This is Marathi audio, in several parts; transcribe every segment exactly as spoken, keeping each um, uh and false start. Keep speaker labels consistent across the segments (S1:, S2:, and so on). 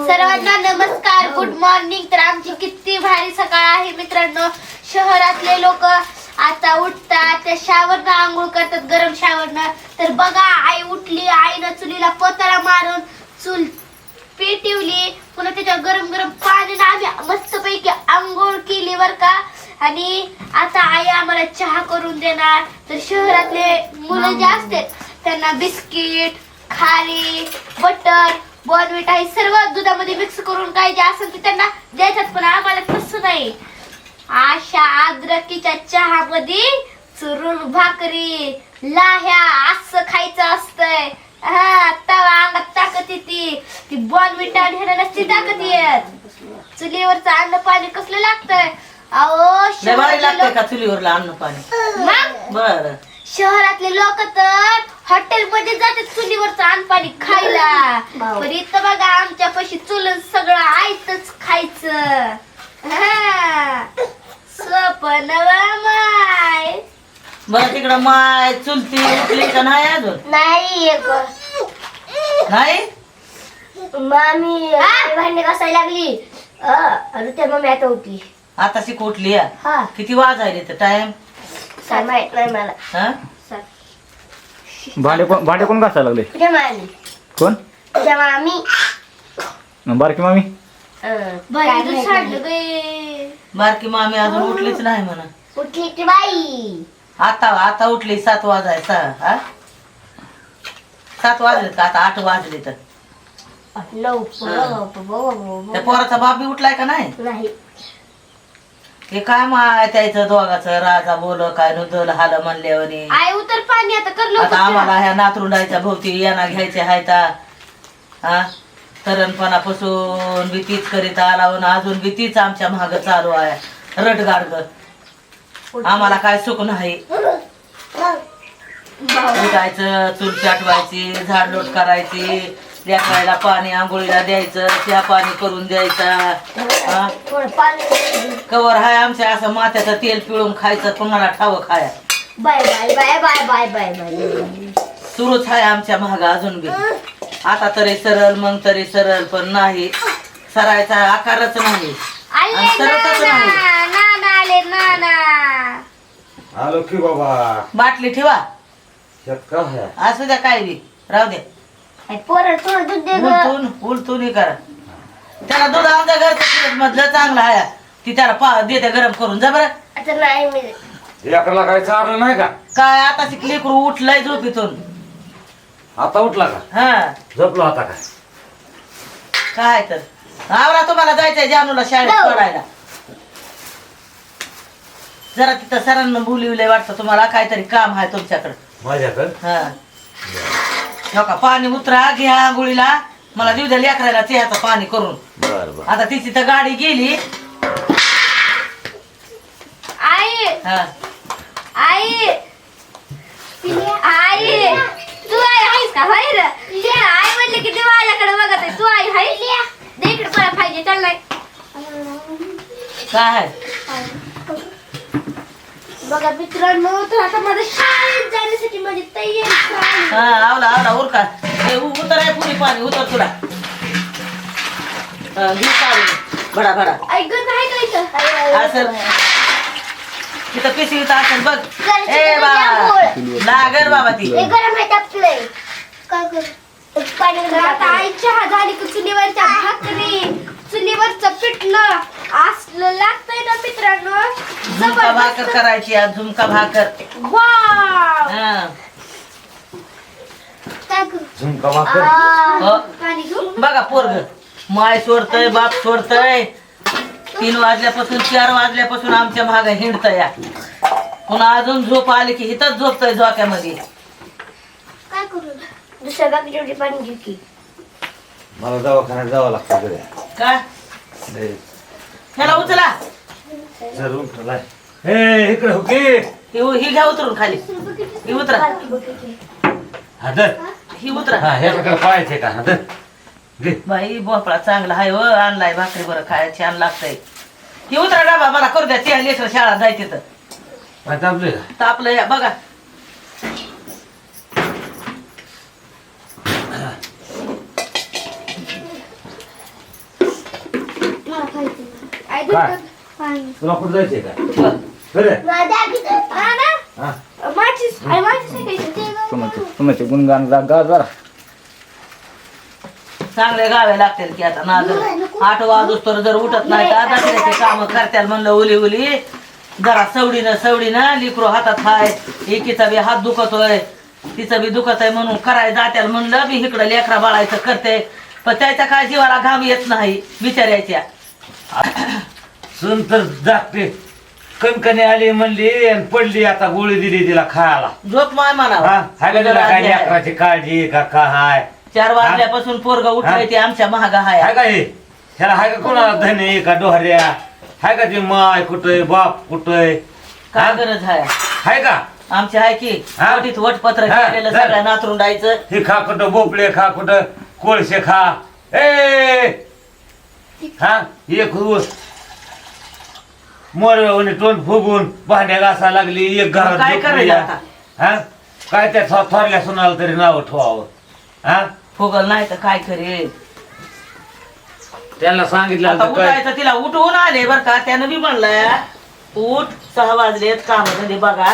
S1: सर्वांना नमस्कार, गुड मॉर्निंग. तर आमची किती भारी सकाळ आहे मित्रांनो. शहरातले लोक आता उठतात, त्या शावरनं आंघोळ करतात, गरम शावरनं. तर बघा, आई उठली, आईनं चुलीला पोताला मारून चूल पेटवली, पुन्हा त्याच्या गरम गरम पाण्याने आम्ही मस्तपैकी आंघोळ केली बर का. आणि आता आई आम्हाला चहा करून देणार. तर शहरातले मुलं जे असतात त्यांना बिस्किट, खारी, बटर, बॉर्नविटा हे सर्व दुधामध्ये मिक्स करून काय जे असेल ते त्यांना द्यायच्यात, पण आम्हाला तसं नाही. अशा अद्रकीच्या चहामध्ये चुरून भाकरी, लाह्या असं खायचं असतंय. हा, तवा अंगात ताकद येते. ती बॉर्नविटा ह्याला नसती ताकद येत. चुलीवरचं अन्न पाणी कसलं लागतंय अहो.
S2: लागतंय का चुलीवरला अन्न पाणी?
S1: मग
S2: बर,
S1: शहरातले लोक तर हॉटेल मध्ये जातात चुलीवरचं अन्न पाणी खायला, पण इथं बघा आमच्या पाशी चुल सगळं आयतच खायचं. स्वप्न माय
S2: बरं तिकडं माय चुलती उठली का नाही अजून?
S1: नाही
S2: नाही
S1: मामी भांडे घासायला लागली. अरे त्या मम्मी आता होती,
S2: आता शिक उठली या.
S1: हा
S2: किती वाजायले तर टाइम?
S1: काय माहित नाही मला.
S2: हा
S3: भांडे कोण भांडे कोण घासायला लागले?
S1: तुझ्या मामी
S3: कोण?
S1: तुझ्या मामी
S3: बारकी मामी.
S2: बारकी मामी अजून उठलीच नाही म्हणा.
S1: उठली की बाई
S2: आता आता उठली. सात वाजायचा. हा सात वाजले का? आता आठ वाजले तर त्या पोराचा बाप बी उठलाय का नाही?
S1: नाही.
S2: हे काय माय त्याचं दोघाचं राजा बोल काय नुदल हाल म्हणल्यावर.
S1: आई उतर पाणी आता कर
S2: आता आम्हाला ह्या नातरुंडायच्या भोवती यांना घ्यायचे हायता. हा तरणपणापासून भीतीच करीत आला, अजून भीतीच आमच्या माग चालू आहे रटगाडग. आम्हाला काय सुख नाही. उठायचं, चूल चाटवायची, झाडलोट करायची, लेकरायला पाणी आंघोळीला द्यायचं, त्या पाणी करून द्यायचा. कवर हाय आमच्या असं माथ्याचं तेल पिळून खायचं, कुणाला ठाव खाया.
S1: Bye bye bye bye bye bye bye
S2: सुरूच आहे आमच्या महाग अजून बी. आता तरी सरळ मग तरी सरळ, पण नाही सरायचा आकारच नाही आणि सरतच नाही.
S1: आले नाना
S4: आलो की बाबा.
S2: बाटली ठेवा,
S4: यात का आहे?
S2: असू द्या काय बी राहू द्या.
S1: पोरं थोडं दूध दे ग.
S2: उलटून उलटून हे करा. त्याला दूध आमच्या घरचं मधलं चांगलं आहे, ती त्याला पा देते गरम करून. जा बरं.
S1: आता नाही मी
S4: लेकराला काय चाललं नाही का?
S2: काय आता लेकरू उठलंय झोपीतून.
S4: आता उठला का?
S2: हा
S4: झोपलो आता काय?
S2: काय तर आवरा, तुम्हाला जायचंय जानूला शाळेत सोडायला. जरा तिथं सरांना बोलिवलंय वाटतं तुम्हाला, काहीतरी काम आहे तुमच्याकडे.
S4: माझ्याकडे
S2: हा हो का? पाणी उतरा, घ्या आंघोळीला, मला देऊ द्या लेकरायला चहाचं पाणी करून.
S4: बर बर.
S2: आता तिची तर गाडी गेली.
S1: आई
S2: हा
S1: आई आई तू आई आहेस का? होय रे. ते आई म्हणले की ते माझ्याकडे बघत आहे. तू आई आहे दे इकडे मला पाहिजे. चल नाही
S2: काय
S1: बघा मित्रांनो, तर आता माझं शाळेत जाण्यासाठी माझी तयारी झाली.
S2: हा आवला आवला उरका. हे उ- उतर आहे पुरी पाणी उतर तुला. हा, घे काढून. भडा भडा
S1: आई गं काय करायचं?
S2: असं तिथं पिशवीत असेल बघ.
S1: घरची
S2: ए
S1: तर
S2: बाबा
S1: गोड.
S2: लागल बाबा ती.
S1: हे गरम आहे टाकलंय. काय करू? पाणी गरम आता आई चहा झाली की चुलीवरच्या भाकरी, चुलीवरचं पिठलं असलं लागतंय ना मित्रांनो.
S2: झुमका भाकर करायची आज. झुमका भाकर.
S1: वाव
S2: हा
S1: काय करू?
S4: झुमका भाकर.
S2: हो.
S1: पाणी घेऊ.
S2: बघा पोरग माय सोडतय, बाप सोडतय. तीन वाजल्यापासून चार वाजल्यापासून आमच्या माग हिंडतय या. पुन्हा अजून झोप आली की इथंच झोपतय झोक्यामध्ये.
S1: काय करू? दुसऱ्या बाकी जेवढी पाणी घेऊ की.
S4: मला दवाखान्यात जावं लागतं घरी.
S2: का ह्याला उचला.
S4: जर उठलाय. हे इकडे हो की.
S2: ही ही घ्या उतरून खाली. ही उतरा.
S4: हा दर.
S2: ही उतरा.
S4: हा ह्याच्याकडे पाहायचे का? हा दर. घे.
S2: बाई भोपळा चांगला आहे व आणलाय भाकरी बरं खायला छान लागतंय. ही उतरा डाबा मला करू द्या. त्या लेकर शाळा जायचे तर
S4: काय तापले का?
S2: तापलं या बघा.
S4: काय तुला कुठं जायचंय का बरं हा
S3: तुमचे तुमचे गुणगान जा गा जरा
S2: चांगले गावे लागतील की आता ना जर आठ वाजूस तर जर उठत नाही तर दसऱ्याचे काम करत्याल म्हणलं उली उली जरा सवडीनं सवडीनं लिकरो हातात हाय एकीचा बी हात दुखतोय तिचं बी दुखत आहे म्हणून करायला जात्याल म्हणलं बी इकडं लेकरा बाळायचं करते पण त्याच्या काय जीवाला घाम येत नाही बिचाऱ्याच्या
S4: सून तर जागते कणकणी आली म्हणली आणि पडली आता गोळी दिली तिला खायला
S2: झोप माय
S4: हा
S2: म्हणा
S4: हाय का तिला काय लेकराची काळजी का का हाय
S2: चार वाजल्यापासून पोरग उठलंय ते आमच्या महागा हाय
S4: हाय का हे ह्याला हाय का कोणाला धने का डोहऱ्या हाय का ती माय कुठय बाप कुठय
S2: काय गरज आहे
S4: हाय का
S2: आमचे आहे की
S4: हा?
S2: वटीत वटपत्र
S4: हा,
S2: केलेलं
S4: चल.
S2: सगळ्या नातरुंडायचं
S4: हे खा कुठं बोपळे खा कुठं कोळशे खा ए हा एक मोर तोंड फुगून भांड्या घासायला लागली एक घरात
S2: काय
S4: झोपली
S2: करायला
S4: या.
S2: आता?
S4: हा काय त्या थो- थोरल्या सुनाला तरी नाव ठेवावं हा
S2: फुगल नाही तर काय करेल
S4: त्यांना सांगितलं
S2: आता
S4: होतं काय
S2: उठायचं तिला उठवून आले बर का त्यानं बी म्हणलंय उठ सहा वाजलेत काम धंदे बघा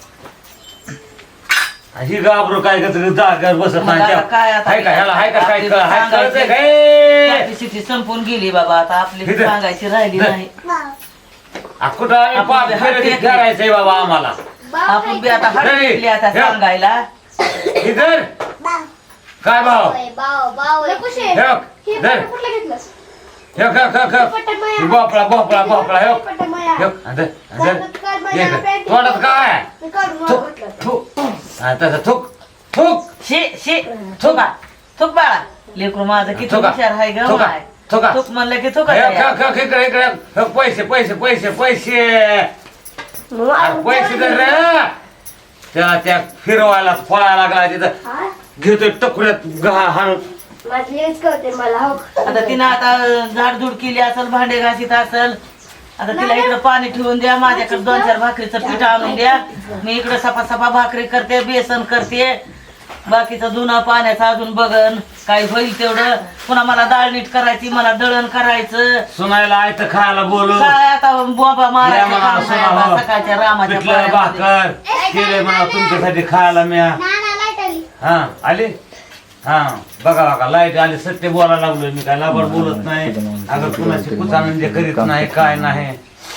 S4: ही गाबरू काय करत जागेवर बसत
S2: मग
S4: नाही
S2: आता काय आता?
S4: हाय का ह्याला हाय का काय
S2: आपली
S4: कळ- हाय
S2: सांगायची-
S4: कळतंय काय
S2: कॅपॅसिटी संपून गेली बाबा आता आपली
S4: इथं.
S2: सांगायची राहिली
S4: इथं.
S2: नाही
S4: आ, कुठं आम्ही
S2: आपण
S4: पाप
S2: बी
S4: फिरत
S2: हात
S4: करायचंय बाबा आम्हाला
S2: आपण बी आता हळद
S4: नाही.
S2: घेतली आता
S4: हे.
S2: सांगायला
S4: इधर काय भाव
S1: बाव बाव
S4: हे बघ, धर. हे बघ, हे बघ, हे बघ. हे भोपळा भोपळा भोपळा हे बघ. हे बघ, धर, धर. हे धर. तोंडात काय थुक थुक हा, तसं थुक थुक
S2: शे शे थुका थुक बाळा लेकरू माझं किती
S4: थुका.
S2: हुशार आहे ग
S4: थुका.
S2: माय.
S4: थुका.
S2: थुक म्हणलं की थुका
S4: हे बघ,
S2: तयार.
S4: हे बघ, इकडे इकडे हे बघ, पैसे पैसे पैसे पैसे अरे पैसे धर रे. त्याला त्या फिरवायला फळायला लागला तिथं घेतोय टकुऱ्यात गहा हाणून
S1: मला हो
S2: आता तिनं आता झाडझूड केली असेल भांडे घासीत असेल आता तिला इकडं पाणी ठेवून द्या माझ्याकडे दोन चार भाकरीचं पीठ आणून द्या मी इकडं सपा सपा भाकरी करते बेसन करते बाकीचं जुना पाण्याचं अजून बघन काय होईल तेवढं पुन्हा मला डाळ नीट करायची मला दळण करायचं
S4: सुनायला आयत खायला बोलू
S2: काय आता बोबा
S4: या
S2: मारायचं
S4: म्हणा
S2: काम नाही
S4: सुना
S2: आता
S4: हो.
S2: सकाळच्या रामाच्या
S4: पिठलं
S2: पायामध्ये.
S4: भाकर केले म्हणा तुमच्यासाठी खायला म्या हा आली हा बघा बघा लाईट आली सत्य बोलायला लागलोय मी काय लाभड बोलत नाही अगं कुणाची कुचानंद करीत नाही काय नाही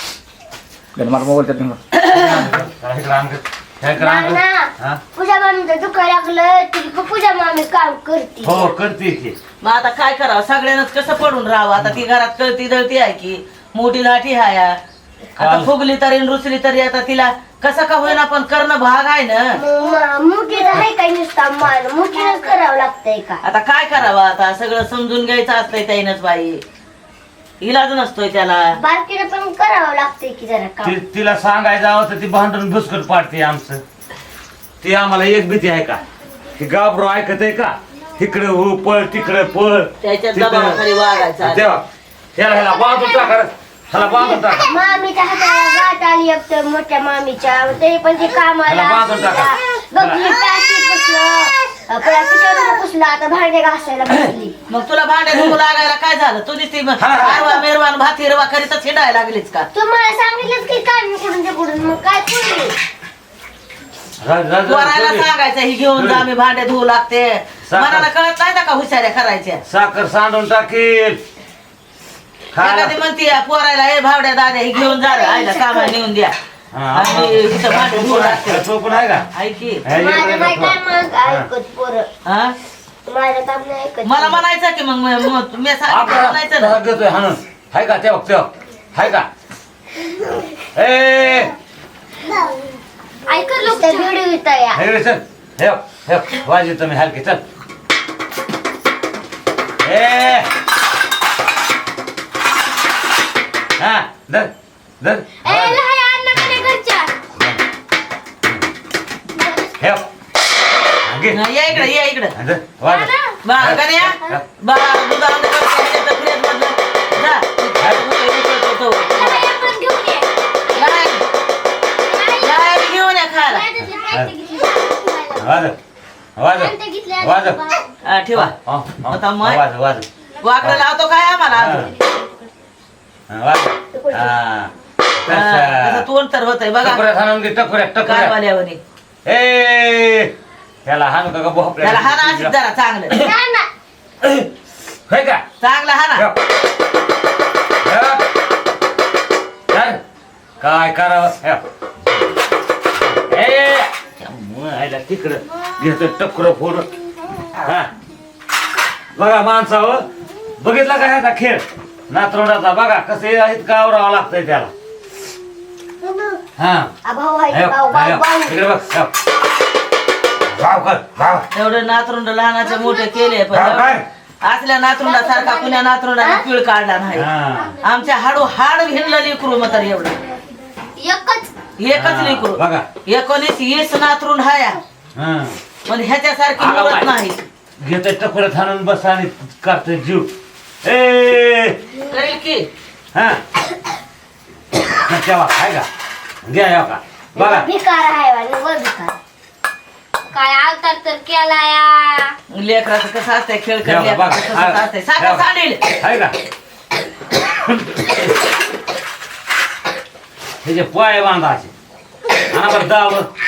S3: मला मोबाईल त्यात
S4: इकडं आण गं. हे इकडं आण गं. हा?
S1: पूजा मामीचं दुखा लागलं तरी पूजा मामी काम करते
S4: हो करते की
S2: मग आता काय करावं सगळ्यांनाच कसं पडून राहावं आता ती घरात कळती दळती आहे की मोठी लाठी हाय आता
S4: काल-
S2: फुगली तरी न रुसली तरी आता तिला कसं का होईना पण करणं भाग आहे ना
S1: मोठीला आहे काय नुसता मान मोठीलाच करावं लागतंय का
S2: आता काय करावं आता सगळं समजून घ्यायचं असतंय त्यानंच बाई इलाज नसतोय त्याला
S1: बारकीला पण करावं लागतंय की जरा काम
S4: ती- तिला सांगायचं हवं तर ती भांडून भुसकट पाडते आमचं ती आम्हाला एक भीती आहे का की गाबरो ऐकत आहे का तिकडे हो पळ तिकडे पळ
S2: त्याच्या
S4: तिथं-
S2: दबावाखाली वागायचं
S4: तेव्हा ह्याला ह्याला बांधून टाका रे. ह्याला बांधून टाका
S1: मामीच्या हाताला गाठ आली एक तर मोठ्या मामीच्या तरी पण ते कामाला
S4: ह्याला बांधून टाका.
S1: बघली पॅकी पुसलं पॅकीच्या पुसलं आता भांडे घासायला बसली
S2: मग तुला भांडे धुवू लागायला काय झालं तुझी ती
S4: हा, हा.
S2: आरवा मेरवान भात हिरवा करीतच हिंडायला लागलीच का
S1: तुम्हाला सांगितलंच की काय कुठून ते कुठून मग काय पुरली
S4: रा- रा- रा-
S2: पोरायला
S4: रा-
S2: सांगायचं ही घेऊन जा मी भांडे धुवू लागते
S4: साखर.
S2: मनाला कळत नाही ना का हुशाऱ्या करायच्या
S4: साखर सांडून टाकील खायला
S2: एखादी म्हणते पोरायला हे भावड्या दाद्या ही घेऊन जा रे आईला कामाला नेऊन द्या
S4: हा,
S2: आणि इथं भांडे धुवू लागते
S4: तो पण आहे का
S2: ऐकी
S4: हे
S1: माझं
S4: इकडे
S1: नाही
S4: नको.
S1: काय मग
S4: हा.
S1: ऐकत पोरं
S2: हा
S1: माझं काम नाही ऐकत
S2: मला म्हणायचं की मग म- म- मी सांगितलं
S4: आपल्याला
S2: म्हणायचं ना
S4: तसा घेतोय हाणून हाय का तेव्हा तेव्हा हाय का ए
S1: ऐकत लोक व्हिडिओ येत या
S4: हे रे चल हे हे वाजी तुम्ही हलकी चल ए हा धर धर
S1: ए लहान अण्णाकडे घरच्या
S4: हे घे
S2: हा, या इकडे या इकडे
S4: धर वाज
S2: बा गण्या बा दूध आणलं का त्याच्यात फ्रीज मधलं जा उकळतो तो.
S1: लहान पण घेऊन ये
S2: लाय लाय घेऊन या खायला
S4: वाज वाज वाज
S2: हा, ठेवा आता मग
S4: वाज वाज
S2: वाकडं लावतो काय आम्हाला अजून
S4: वाज
S1: पडली.
S4: हा
S2: त्याचं
S4: तसं.
S2: तोंड तर होतंय बघा
S4: टकुऱ्यात हाणून घे टकुऱ्यात टकुऱ्यात
S2: कारवाल्यावानी
S4: ए त्याला हाणू का भोपळ्या
S2: त्याला हाना अशीच जरा चांगलं
S1: ना, ना.
S4: होय का
S2: चांगलं हाना
S4: ठेव. ठेव. धर. काय करावं ठेव. ए आयला तिकडं घेतो टकुर फोडून हा बघा माणसावर बघितला का ह्याचा खेळ नातरोडाचा बघा कसं इतकं आवरावं लागतंय त्याला हा
S1: आ, भाऊ आहे,
S4: ठेव.
S1: भाऊ, भाऊ,
S4: ठेव.
S1: भाऊ.
S4: इकडे बघ ठेव. भाव कर भाव
S2: एवढे नातरुंड लहानाचे मोठे केले पण
S4: भाव काय
S2: असल्या नातरुंडासारखा कुण्या नातरुंडाने पिळ काढला नाही
S4: हा
S2: आमच्या हाडू हाड भिनलं लेकरू मग तर एवढं
S1: एकच
S2: एकच लेकरू
S4: बघा
S2: एकोणीस वीस नातरुंड हाया
S4: हा
S2: पण ह्याच्यासारखी
S4: आगा
S2: मुलत
S4: बाई.
S2: नाही
S4: घेतोय टकुऱ्यात हाणून बस आणि करतोय जीव ए
S2: करेल की
S4: हा तेव्हा आहे का घ्या या का बघा
S1: भिकार आहे वाले, वर भिकार. काय अवतार तर केला या
S2: लेकराचं कसं असतंय खेळ
S4: जेवा,
S2: खेळ
S4: बघा.
S2: कसं असतंय साखर
S4: जेवा.
S2: सांडेल
S4: आहे का त्याचे पाय बांधायचे आणि बरं दावर